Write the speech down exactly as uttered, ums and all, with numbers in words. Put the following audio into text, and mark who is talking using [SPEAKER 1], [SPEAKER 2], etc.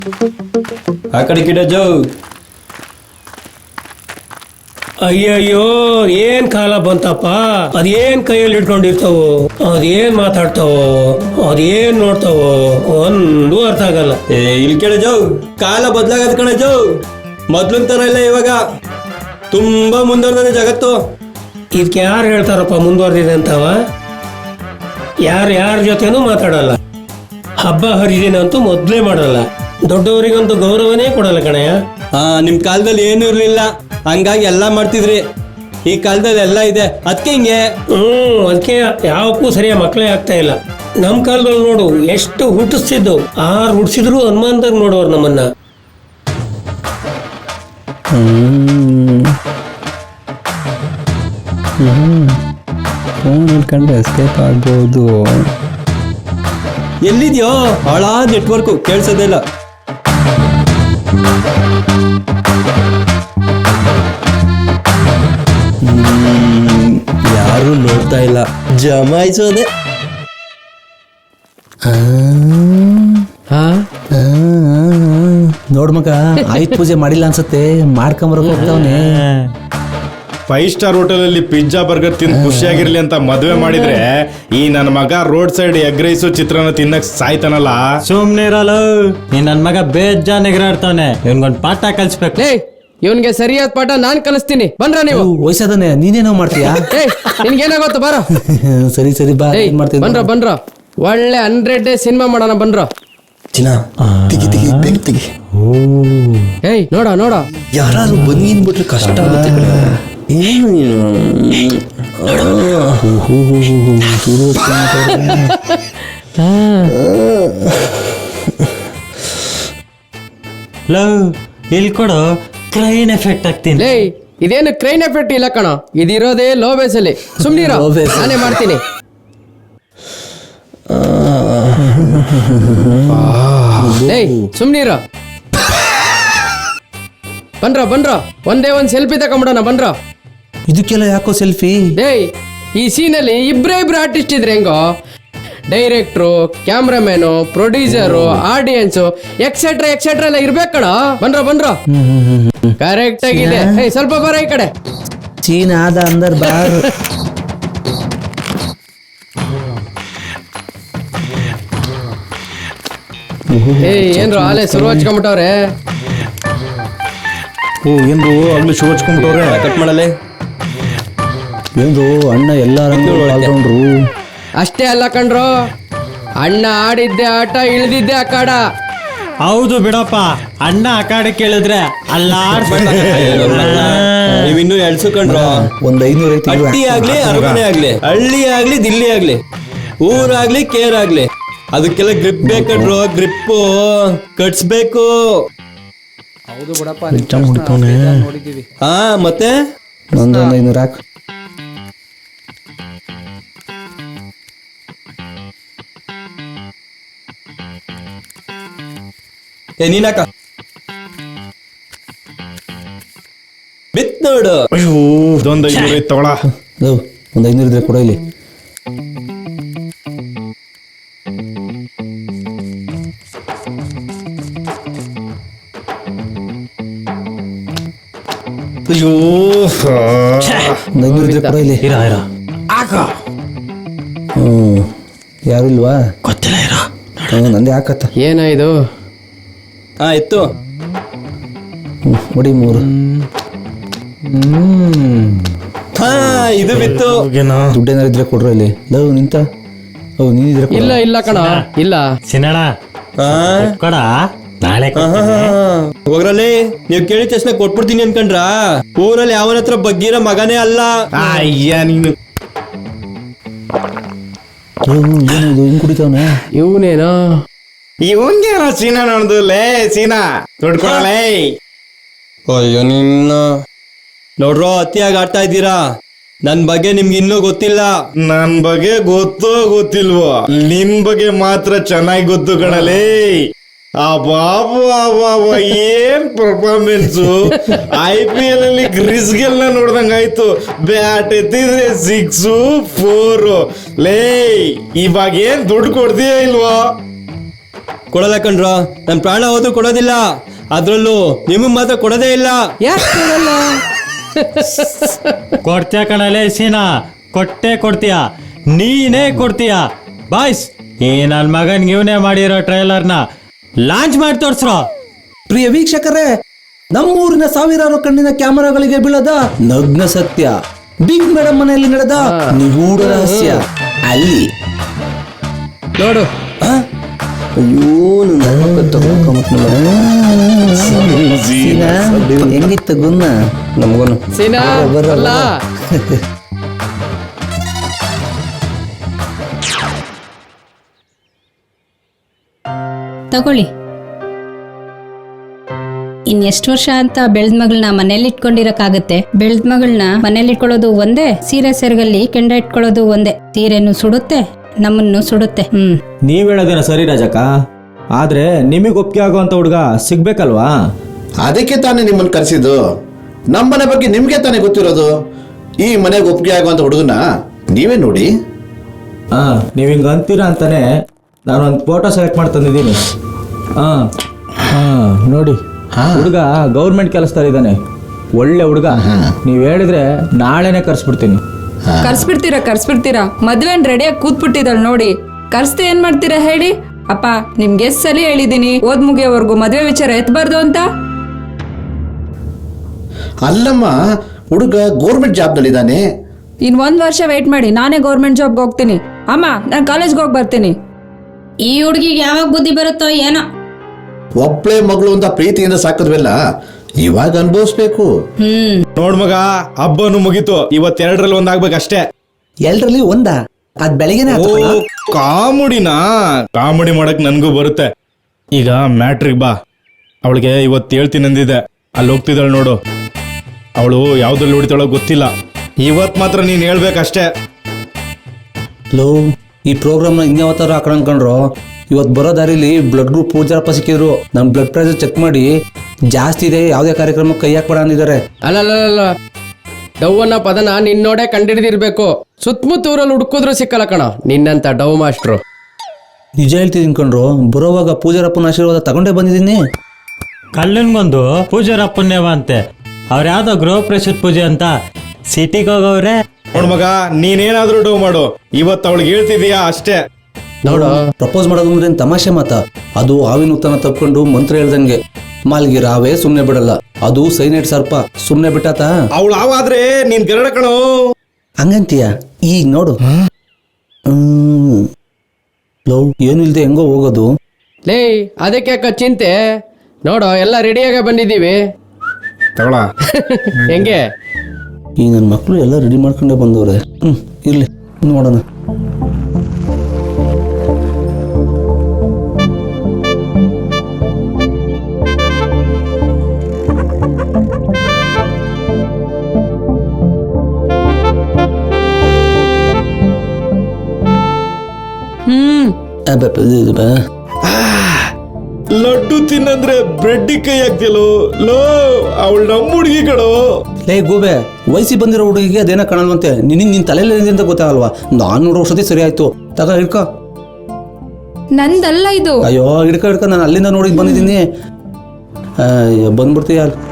[SPEAKER 1] ಆ ಕಡೆ ಗಿಡ ಜೋ.
[SPEAKER 2] ಅಯ್ಯಯ್ಯೋ ಏನ್ ಕಾಲ ಬಂತಪ್ಪ. ಅದೇನ್ ಕೈಯಲ್ಲಿ ಇಟ್ಕೊಂಡಿರ್ತಾವೋ, ಅದೇನ್ ಮಾತಾಡ್ತಾವೋ, ಅದೇನ್ ನೋಡ್ತಾವೋ ಒಂದು ಅರ್ಥ ಆಗಲ್ಲ.
[SPEAKER 1] ಏ ಇಲ್ಲಿ ಕೇಳ ಜೋ, ಕಾಲ ಬದ್ಲಾಗದ್ ಕಣ ಜೋ. ಮೊದ್ಲಿನ ತರ ಇಲ್ಲ ಇವಾಗ, ತುಂಬಾ ಮುಂದುವರೆದ ಜಗತ್ತು.
[SPEAKER 2] ಇದಕ್ಕೆ ಯಾರು ಹೇಳ್ತಾರಪ್ಪ ಮುಂದುವರೆದಿದೆ ಅಂತವ? ಯಾರು ಯಾರ ಜೊತೆನೂ ಮಾತಾಡಲ್ಲ, ಹಬ್ಬ ಹರಿದಿನ ಅಂತೂ ಮೊದ್ಲೇ ಮಾಡಲ್ಲ, ದೊಡ್ಡವರಿಗಂತೂ ಗೌರವನೇ ಕೊಡಲ್ಲ ಕಣಯ್ಯ.
[SPEAKER 1] ಹಾ, ನಿಮ್ ಕಾಲದಲ್ಲಿ ಏನು ಇರ್ಲಿಲ್ಲ, ಹಂಗಾಗಿ ಎಲ್ಲಾ ಮಾಡ್ತಿದ್ರಿ. ಈ ಕಾಲದಲ್ಲಿ ಎಲ್ಲ ಇದೆ, ಅದಕ್ಕೆ ಹಿಂಗೆ.
[SPEAKER 2] ಹ್ಮ್ ಅದಕ್ಕೆ ಯಾವಕ್ಕೂ ಸರಿಯಾಗಿ ಮಕ್ಕಳೇ ಆಗ್ತಾ ಇಲ್ಲ. ನಮ್ ಕಾಲದಲ್ಲಿ ನೋಡು ಎಷ್ಟು ಹುಟ್ಟಿಸ್ತಿದ್ದು, ಆರು ಹುಟ್ಟಿಸಿದ್ರು ಅನುಮಾನದಾಗ ನೋಡೋರು ನಮ್ಮನ್ನ.
[SPEAKER 3] ಫೋನ್ ಇಟ್ಕೊಂಡ್ರೆ ಎಸ್ಕೇಪ್ ಆಗ್ಬೋದು.
[SPEAKER 1] ಎಲ್ಲಿದ್ಯೋ ಹಾಳಾ ನೆಟ್ವರ್ಕು, ಕೇಳ್ಸೋದೇ ಇಲ್ಲ. ಯಾರು ನೋಡ್ತಾ ಇಲ್ಲ, ಜಮಾಯಿಸೋದೆ.
[SPEAKER 3] ನೋಡ್ ಮಗ, ಆಯುಧ ಪೂಜೆ ಮಾಡಿಲ್ಲ ಅನ್ಸತ್ತೆ, ಮಾಡ್ಕೊಂಬರಕ್ ಹೋಗ್ತಾವನೆ.
[SPEAKER 4] ಫೈವ್ ಸ್ಟಾರ್ ಹೋಟೆಲ್ ಅಲ್ಲಿ ಪಿಜ್ಜಾ ಬರ್ಗರ್ ತಿಂದು ಖುಷಿಯಾಗಿರ್ಲಿ ಅಂತ ಮದ್ವೆ ಮಾಡಿದ್ರೆ, ಈ ನನ್ನ ಮಗ ರೋಡ್ ಸೈಡ್ ಎಗ್ ರೈಸು ಚಿತ್ರಾನ್ನ ತಿನ್ನಕ್ ಸಾಯ್ತಾನಲ್ಲ.
[SPEAKER 5] ಸುಮ್ನೆ ಇರಲ್ಲ, ನೀ ನನ್ ಮಗ ಬೇಜಾನ್ ಎಗರಾಡ್ತಾವನೆ. ಇವನ್ಗೊಂದ್ ಪಾಠ ಕಲ್ಸ್ಬೇಕು.
[SPEAKER 6] ಇವನ್ಗೆ ಸರಿಯಾದ ಪಾಠ ನಾನ್ ಕಲಿಸ್ತೀನಿ. ಬಂದ್ರ ನೀವು?
[SPEAKER 3] ವಯಸ್ಸಾದನೆ, ನೀನೇನೋ ಮಾಡ್ತೀಯಾ?
[SPEAKER 6] ನಿನ್ಗೇನಾಗತ್ತ ಬಾರ.
[SPEAKER 3] ಸರಿ ಸರಿ ಬಾ. ಮಾಡ್ತೀನಿ
[SPEAKER 6] ಬನ್ರ ಬನ್ರ, ಒಳ್ಳೆ ಹಂಡ್ರೆಡ್ ಡೇ ಸಿನಿಮಾ ಮಾಡೋಣ ಬನ್ರ.
[SPEAKER 1] ಚಿನ್ನ ತೆಗಿ ತೆಗಿ ಬೇಗ ತೆಗಿ.
[SPEAKER 6] ಏಯ್ ನೋಡ ನೋಡ,
[SPEAKER 1] ಯಾರು ಬಂದ್ ಬಿಟ್ರೆ ಕಷ್ಟ ಆಗುತ್ತೆ. ಏನು
[SPEAKER 5] ಲವ್ ಇಲ್ಲಿ ಕೊಡು, ಕ್ರೈನ್ ಎಫೆಕ್ಟ್ ಆಗ್ತೀನಿ.
[SPEAKER 6] ಲೇ ಇದೇನು ಕ್ರೈನ್ ಎಫೆಕ್ಟ್ ಇಲ್ಲ ಕಣ, ಇದಿರೋದೇ ಲೋ ಬೇಸ್ ಅಲ್ಲಿ. ಸುಮ್ನಿರ, ನಾನೇ ಮಾಡ್ತೀನಿ. ಏಯ್ ಸುಮ್ನಿರ. ಬನ್ರ ಬನ್ರ, ಒಂದೇ ಒಂದ್ ಸೆಲ್ಫಿ ತಗೊಂಬಿಡೋಣ ಬನ್ರ.
[SPEAKER 3] ಇದಕ್ಕೆಲ್ಲ ಯಾಕೋ ಸೆಲ್ಫಿ?
[SPEAKER 6] ಏಯ್ ಈ ಸೀನಲ್ಲಿ ಇಬ್ರೇ ಇಬ್ರು ಆರ್ಟಿಸ್ಟ್ ಇದ್ರೆ ಹೆಂಗೋ? Director, cameraman, producer, audience etcetera etcetera ಎಲ್ಲ ಇರ್ಬೇಕಣ. ಬನ್ರ ಬನ್ರ, ಕರೆಕ್ಟ್ ಆಗಿದೆ. ಏಯ್ ಸ್ವಲ್ಪ ಬರ ಈ ಕಡೆ.
[SPEAKER 3] ಚೀನಾದ ಅಂದರ್ ಬಾರ್.
[SPEAKER 6] ಏಯ್ ಏನ್ರು ಆಲೆ ಶುರು ಹಚ್ಕೊಂಬಿಟ್ಟವ್ರೆ.
[SPEAKER 4] ಓ ಏನ್ರು ಆಗ್ಲಿ ಶೂ ಹಚ್ಕೊಂಡ್ಬಿಟ್ಟವ್ರೆ.
[SPEAKER 1] ಕಟ್ ಮಾಡಲೆ.
[SPEAKER 3] ಏನು ಅಣ್ಣ ಎಲ್ಲ ರಂಗರು.
[SPEAKER 6] ಅಷ್ಟೇ ಅಲ್ಲ ಕಣ್ರು, ಅಣ್ಣ ಆಡಿದ್ದೆ ಆಟ, ಇಳ್ದಿದ್ದೆ ಅಖಾಡ.
[SPEAKER 5] ಹೌದು ಬಿಡಪ್ಪ, ಅಣ್ಣ ಅಖಾಡೆ ಕೇಳಿದ್ರೆ
[SPEAKER 1] ನೀವಿನ್ನೂ ಎಳ್ಸುಕೊಂಡ್ರು.
[SPEAKER 3] ಒಂದ್ ಐನೂರ ಐತಿ.
[SPEAKER 1] ಹಟ್ಟಿ ಆಗ್ಲಿ, ಅರಮನೆ ಆಗ್ಲಿ, ಹಳ್ಳಿ ಆಗ್ಲಿ, ದಿಲ್ಲಿ ಆಗ್ಲಿ, ಊರಾಗ್ಲಿ, ಕೇರ್ ಆಗ್ಲಿ, ಅದಕ್ಕೆಲ್ಲ ಗ್ರಿಪ್ ಬೇಕಂಡ್ರು. ಗ್ರಿಪ್ಪು ಕಟ್ಸ್ಬೇಕು. ಹಾ ಮತ್ತೆ
[SPEAKER 3] ಒಂದೊಂದ್ ಐನೂರ ಹಾಕು.
[SPEAKER 1] ಏ ನೀನಾಕ ಬಿತ್ ನೋಡು.
[SPEAKER 4] ಅಯ್ಯೋ ಇದೊಂದು ಐನೂರು ಐತ್ ತಗೊಳ.
[SPEAKER 3] ಒಂದ್ ಐನೂರ ಇದ್ರೆ ಕೊಡ ಇಲ್ಲಿ.
[SPEAKER 4] ಅಯ್ಯೋ
[SPEAKER 3] ಒಂದ್ ಐನೂರ ಇದ್ರೆ ಕೊಡ ಇಲ್ಲಿ.
[SPEAKER 5] ಇರ ಇರ
[SPEAKER 3] ಹ್ಮ್ ಯಾರು ಇಲ್ವಾ?
[SPEAKER 5] ಗೊತ್ತಿಲ್ಲ ಇರ.
[SPEAKER 3] ನಂದೇ ಹಾಕತ್ತ.
[SPEAKER 6] ಏನ ಇದು?
[SPEAKER 1] ಹಾ ಇತ್ತು.
[SPEAKER 3] ನೋಡಿ ಮೂರು.
[SPEAKER 1] ಹಾ ಇದು ಬಿತ್ತು.
[SPEAKER 3] ದುಡ್ಡೇನಾರು ಇದ್ರೆ ಕೊಡ್ರ ಇಲ್ಲಿ. ಲವ್ ನಿಂತ. ಹೌದು ನೀನಿದ್ರೆ ಕೊಡು.
[SPEAKER 6] ಇಲ್ಲ ಇಲ್ಲ ಕಣ, ಇಲ್ಲ.
[SPEAKER 5] ಸಿನಣ
[SPEAKER 1] ಹಾ
[SPEAKER 5] ಕೊಡ, ನಾಳೆ
[SPEAKER 1] ಹೋಗ್ರಲ್ಲಿ. ನೀವ್ ಕೇಳಿದ ತಕ್ಷಣ ಕೊಟ್ಬಿಡ್ತೀನಿ ಅನ್ಕಂಡ್ರ? ಊರಲ್ಲಿ ಯಾವನ ಹತ್ರ ಬಗ್ಗಿರೋ ಮಗನೇ ಅಲ್ಲ.
[SPEAKER 4] ಅಯ್ಯ ನೀನು
[SPEAKER 3] ಏನದು ಹಿಂಗ್ ಕುಡಿತಾವನೆ?
[SPEAKER 6] ಇವನೇನೋ
[SPEAKER 4] ಇವನ್ಗೇನೋ ಸೀನಾ ನೋಡ್ದು. ಲೇ ಸೀನಾ ದೊಡ್ಕೊಳಲೇ.
[SPEAKER 1] ಅಯ್ಯೋ ನಿನ್ನ ನೋಡ್ರೋ, ಅತಿಯಾಗಿ ಆಡ್ತಾ ಇದ್ದೀರಾ. ನನ್ ಬಗ್ಗೆ ನಿಮ್ಗೆ ಇನ್ನೂ ಗೊತ್ತಿಲ್ಲ.
[SPEAKER 4] ನನ್ ಬಗ್ಗೆ ಗೊತ್ತೋ ಗೊತ್ತಿಲ್ವೋ, ನಿನ್ ಬಗ್ಗೆ ಮಾತ್ರ ಚೆನ್ನಾಗಿ ಗೊತ್ತು ಕಣಲೇ. ಆ ಬಾಬು ಆ ಬಾಬು ಏನ್ ಪರ್ಫಾರ್ಮೆನ್ಸು. ಐ ಪಿ ಎಲ್ ಅಲ್ಲಿ ಗ್ರಿಸ್ ಗೆಲ್ಲ ನೋಡ್ದಂಗಾಯ್ತು. ಬ್ಯಾಟ್ ಎತ್ತಿದ್ರೆ ಸಿಕ್ಸು ಫೋರು. ಲೇ ಇವಾಗ ಏನ್ ದುಡ್ಡು ಕೊಡ್ತೀಯ ಇಲ್ವೋ?
[SPEAKER 1] ಕೊಡಲ್ಲ ಕಣ್ರೋ, ನನ್ನ ಪ್ರಾಣ ಹೋದ್ರು ಕೊಡೋದಿಲ್ಲ. ಅದ್ರಲ್ಲೂ ನಿಮಗೆ ಮಾತ್ರ ಕೊಡೋದೇ ಇಲ್ಲ.
[SPEAKER 6] ಯಾಕೆ ಕೊಡಲ್ಲ?
[SPEAKER 5] ಕೊಡ್ತೀಯ ಕಣಲೇ ಸೀನಾ, ಕೊಟ್ಟೆ ಕೊಡ್ತೀಯ, ನೀನೇ ಕೊಡ್ತೀಯ. ಬಾಯ್ಸ್, ಈ ನನ್ನ ಮಗನ್ಗೆ ಇವನೇ ಮಾಡಿರೋ ಟ್ರೈಲರ್ನ ಲಾಂಚ್ ಮಾಡಿ ತೋರ್ಸ್ರೋ.
[SPEAKER 3] ಪ್ರಿಯ ವೀಕ್ಷಕರೇ, ನಮ್ಮೂರಿನ ಸಾವಿರಾರು ಕಣ್ಣಿನ ಕ್ಯಾಮರಾಗಳಿಗೆ ಬೀಳದ ನಗ್ನ ಸತ್ಯ, ಬಿಗ್ ಮೇಡಮ್ ಮನೆಯಲ್ಲಿ ನಡೆದ ನಿಗೂಢ ರಹಸ್ಯ ಅಲ್ಲಿ.
[SPEAKER 6] ನೋಡು,
[SPEAKER 3] ಆ? ಅಯ್ಯೋ ನನ್ನ ಮಕ್ಕ ತಗೊಂಡ್ಕೊಂಬಿಟ್ನಲ್ಲ. ಸೀನಾ, ಹೆಂಗಿತ್ತು ಗುನ್ನ ನಮಗೋನು
[SPEAKER 6] ಸೀನಾ
[SPEAKER 3] ಬರಲ್ಲ.
[SPEAKER 6] ಅಲ್ಲ.
[SPEAKER 7] ತಗೊಳ್ಳಿ. ಇನ್ ಎಷ್ಟು ವರ್ಷ ಅಂತ ಬೆಳ್ದ ಮಗಳನ್ನ ಮನೇಲಿ ಇಟ್ಕೊಂಡಿರಕ್ಕಾಗತ್ತೆ? ಬೆಳ್ದ ಮಗಳನ್ನ ಮನೇಲಿ ಇಟ್ಕೊಳ್ಳೋದು ಒಂದೇ, ಸೀರೆ ಸೆರಗಲ್ಲಿ ಕೆಂಡ ಇಟ್ಕೊಳ್ಳೋದು ಒಂದೇ. ಸೀರೆನು ಸುಡುತ್ತೆ, ನಮ್ಮನ್ನು ಸುಡುತ್ತೆ. ಹ್ಮ್
[SPEAKER 8] ನೀವ್ ಹೇಳೋದೇನ ಸರಿ ರಾಜಕ್ಕ, ಆದ್ರೆ ನಿಮಗೆ ಒಪ್ಪಿಗೆ ಆಗುವಂತ ಹುಡುಗ ಸಿಗ್ಬೇಕಲ್ವಾ?
[SPEAKER 9] ಅದಕ್ಕೆ ತಾನೇ ನಿಮ್ಮನ್ನು ಕರೆಸಿದ್ದು. ನಮ್ಮನೆ ಬಗ್ಗೆ ನಿಮ್ಗೆ ತಾನೇ ಗೊತ್ತಿರೋದು. ಈ ಮನೆಗೆ ಒಪ್ಪಿಗೆ ಆಗುವಂತ ಹುಡುಗನ ನೀವೇ ನೋಡಿ.
[SPEAKER 8] ಹಾ, ನೀವ್ ಹಿಂಗ ಅಂತೀರಾ ಅಂತಾನೆ ನಾನು ಒಂದು ಫೋಟೋ ಸೆಲೆಕ್ಟ್ ಮಾಡಿ ತಂದಿದ್ದೀನಿ. ಹಾ ಹಾ ನೋಡಿ, ಹುಡುಗ ಗೌರ್ಮೆಂಟ್ ಕೆಲಸದಲ್ಲಿ ಇದ್ದಾನೆ, ಒಳ್ಳೆ ಹುಡುಗ. ನೀವ್ ಹೇಳಿದ್ರೆ ನಾಳೆನೆ ಕರ್ಸ್ಬಿಡ್ತೀನಿ.
[SPEAKER 10] ಕರ್ಸ್ಬಿಡ್ತೀರಾ ಕರ್ಸ್ಬಿಡ್ತೀರಾ ಮದ್ವೆ ರೆಡಿಯಾಗಿ ಕೂತ್ಬಿಟ್ಟಿದ್ದಾಳೆ ನೋಡಿ. ಕರ್ಸ್ತೆ ಏನ್ ಮಾಡ್ತೀರಾ ಹೇಳಿ? ಅಪ್ಪ, ನಿಮ್ಗೆ ಎಷ್ಟ್ ಸಲ ಹೇಳಿದೀನಿ ಓದ್ ಮುಗಿಯೋವರೆಗೂ ಮದ್ವೆ ವಿಚಾರ ಎತ್ಬಾರ್ದು ಅಂತ.
[SPEAKER 9] ಅಲ್ಲಮ್ಮ, ಹುಡುಗ ಗೌರ್ಮೆಂಟ್ ಜಾಬ್ನಲ್ಲಿದ್ದಾನೆ.
[SPEAKER 10] ಇನ್ ಒಂದ್ ವರ್ಷ ವೇಟ್ ಮಾಡಿ, ನಾನೇ ಗೌರ್ಮೆಂಟ್ ಜಾಬ್ಗೆ ಹೋಗ್ತೀನಿ. ಅಮ್ಮ, ನಾನು ಕಾಲೇಜ್ಗೆ ಹೋಗಿ ಬರ್ತೀನಿ.
[SPEAKER 7] ಈ ಹುಡುಗಿಗೆ ಯಾವಾಗ ಬುದ್ಧಿ ಬರುತ್ತೋ ಏನೋ.
[SPEAKER 9] ಒಬ್ಳೆ ಮಗಳು ಅಂತ ಪ್ರೀತಿಯಿಂದ ಸಾಕಿದ್ವೆಲ್ಲ ಇವಾಗ ಅನುಭವಿಸ್ಬೇಕು.
[SPEAKER 7] ಹ್ಮ್
[SPEAKER 4] ನೋಡ್ ಮಗ, ಹಬ್ಬನು ಮುಗೀತು, ಇವತ್ತೆರಡರಲ್ಲಿ ಒಂದಾಗ್ಬೇಕಷ್ಟೇ.
[SPEAKER 3] ಎಲ್ರಲ್ಲಿ ಒಂದ ಅದ್ ಬೆಳಗ್ಗೆನೆ
[SPEAKER 4] ಓ,
[SPEAKER 3] ಆತು ಕಣ.
[SPEAKER 4] ಕಾಮಿಡಿನಾ? ಕಾಮಿಡಿ ಮಾಡಕ್ ನನ್ಗೂ ಬರುತ್ತೆ. ಈಗ ಮ್ಯಾಟ್ರಿಗ್ ಬಾ. ಅವಳಿಗೆ ಇವತ್ತು ಹೇಳ್ತೀನಿ ಅಂದಿದೆ, ಅಲ್ಲಿ ಹೋಗ್ತಿದ್ದಾಳೆ ನೋಡು. ಅವಳು ಯಾವ್ದ್ರಲ್ಲಿ ಹೊಡಿತಾಳೋ ಗೊತ್ತಿಲ್ಲ. ಇವತ್ ಮಾತ್ರ ನೀನ್ ಹೇಳ್ಬೇಕಷ್ಟೇ.
[SPEAKER 3] ಲೋ, ಈ ಪ್ರೋಗ್ರಾಮ್ನ ಇನ್ಯಾವತ್ತಾರು ಹಾಕೊಂಡು ಅನ್ಕೊಂಡ್ರು. ಇವತ್ತು ಬರೋ ದಾರಿಲಿ ಬ್ಲಡ್ ಗ್ರೂಪ್ ಪೂಜಾರಪ್ಪ ಸಿಕ್ಕಿದ್ರು. ನಮ್ಮ ಬ್ಲಡ್ ಪ್ರೆಷರ್ ಚೆಕ್ ಮಾಡಿ ಜಾಸ್ತಿ ಇದೆ, ಯಾವುದೇ ಕಾರ್ಯಕ್ರಮಕ್ಕೆ ಕೈ ಹಾಕ್ಬೇಡ ಅಂದಿದ್ದಾರೆ.
[SPEAKER 6] ಅಲ್ಲಲ್ಲ, ಡವ್ ಅನ್ನೋ ಪದನ ನಿನ್ನೋಡೆ ಕಂಡಿಡಿದಿರ್ಬೇಕು. ಸುತ್ತಮುತ್ತ ಊರಲ್ಲಿ ಹುಡುಕಿದ್ರು ಸಿಕ್ಕಲ್ಲ ಕಣ ನಿನ್ನಂತ ಡವ್ ಮಾಸ್ಟ್ರು.
[SPEAKER 3] ನಿಜ ಹೇಳ್ತಿದ್ದೀನಿ ಕಣ್ರು, ಬರೋವಾಗ ಪೂಜಾರಪ್ಪನ ಆಶೀರ್ವಾದ ತಗೊಂಡೇ ಬಂದಿದ್ದೀನಿ.
[SPEAKER 5] ಕಲ್ಲನ್ಗೊಂದು ಪೂಜಾರ ಪುಣ್ಯವ ಅಂತೆ. ಅವ್ರ ಯಾವ್ದೋ ಗೃಹ ಪ್ರವೇಶದ ಪೂಜೆ ಅಂತ ಸಿಟಿಗೆ ಹೋಗವ್ರೆ.
[SPEAKER 4] ನೋಡ್ ಮಗ, ನೀನೇನಾದ್ರೂ ಡೋ ಮಾಡು, ಇವತ್ತು ಅವಳಿಗೆ ಹೇಳ್ತಿದೀಯಾ ಅಷ್ಟೇ.
[SPEAKER 6] ನೋಡು,
[SPEAKER 3] ಪ್ರಪೋಸ್ ಮಾಡೋದು ಅಂದ್ರೆ ಏನ್ ತಮಾಷೆ ಮಾತ? ಅದು ಹಾವಿನ ಉತ್ತನ ತಪ್ಕೊಂಡು ಮಂತ್ರ ಹೇಳ್ದಂಗೆ. ಮಾಲ್ಗಿರ ಹಾವೇ ಸುಮ್ನೆ ಬಿಡಲ್ಲ, ಅದು ಸೈನೈಡ್ ಸರ್ಪ, ಸುಮ್ನೆ ಬಿಟ್ಟಾತ.
[SPEAKER 4] ಅವಳು ಆವಾದ್ರೆ ನೀನ್ ಗರಡ ಕಣೋ.
[SPEAKER 3] ಹಂಗಂತೀಯ? ಈಗ ನೋಡು. ಹ್ಮ್ ಲವ್ ಏನು ಇಲ್ದೆ ಹೆಂಗೋ ಹೋಗೋದು.
[SPEAKER 6] ಲೇ, ಅದಕ್ಕೆ ಅಕ್ಕ ಚಿಂತೆ. ನೋಡು, ಎಲ್ಲ ರೆಡಿಯಾಗ ಬಂದಿದ್ದೀವಿ.
[SPEAKER 4] ತಗೊಳ.
[SPEAKER 6] ಹೆಂಗೆ?
[SPEAKER 3] ಈ ನನ್ನ ಮಕ್ಕಳು ಎಲ್ಲ ರೆಡಿ ಮಾಡ್ಕೊಂಡೇ ಬಂದವ್ರೆ. ಹ್ಮ್ ಇರ್ಲಿ, ನೋಡೋಣ.
[SPEAKER 10] ಹ್ಮ್
[SPEAKER 4] ಲಡ್ಡು ತಿನ್ನಂದ್ರೆ ಬ್ರೆಡ್ ಕೈ ಹಾಕ್ತಿಯಲ್ಲೋ. ಲೋ, ಅವಳು ನಮ್ಮ ಹುಡುಗಿ ಕಣೋ.
[SPEAKER 3] ಲೇ ಗೂಬೆ, ವಯಸ್ಸಿ ಬಂದಿರೋ ಹುಡುಗಿಗೆ ಅದೇನ ಕಾಣಲ್ವಂತೆ. ನಿನಗೆ ನಿನ್ ತಲೆಯಲ್ಲಿ ಅಂತ ಗೊತ್ತಾಗಲ್ವಾ? ನಾನು ನೋಡೋ ಔಷಧಿ ಸರಿ ಆಯ್ತು, ತಗ ಹಿಡ್ಕೊ.
[SPEAKER 10] ನಂದಲ್ಲ ಇದು.
[SPEAKER 3] ಅಯ್ಯೋ ಹಿಡ್ಕೊ ಹಿಡ್ಕೊ, ನಾನು ಅಲ್ಲಿಂದ ನೋಡಿ ಬಂದಿದ್ದೀನಿ. ಬಂದ್ಬಿಡ್ತೀಯ.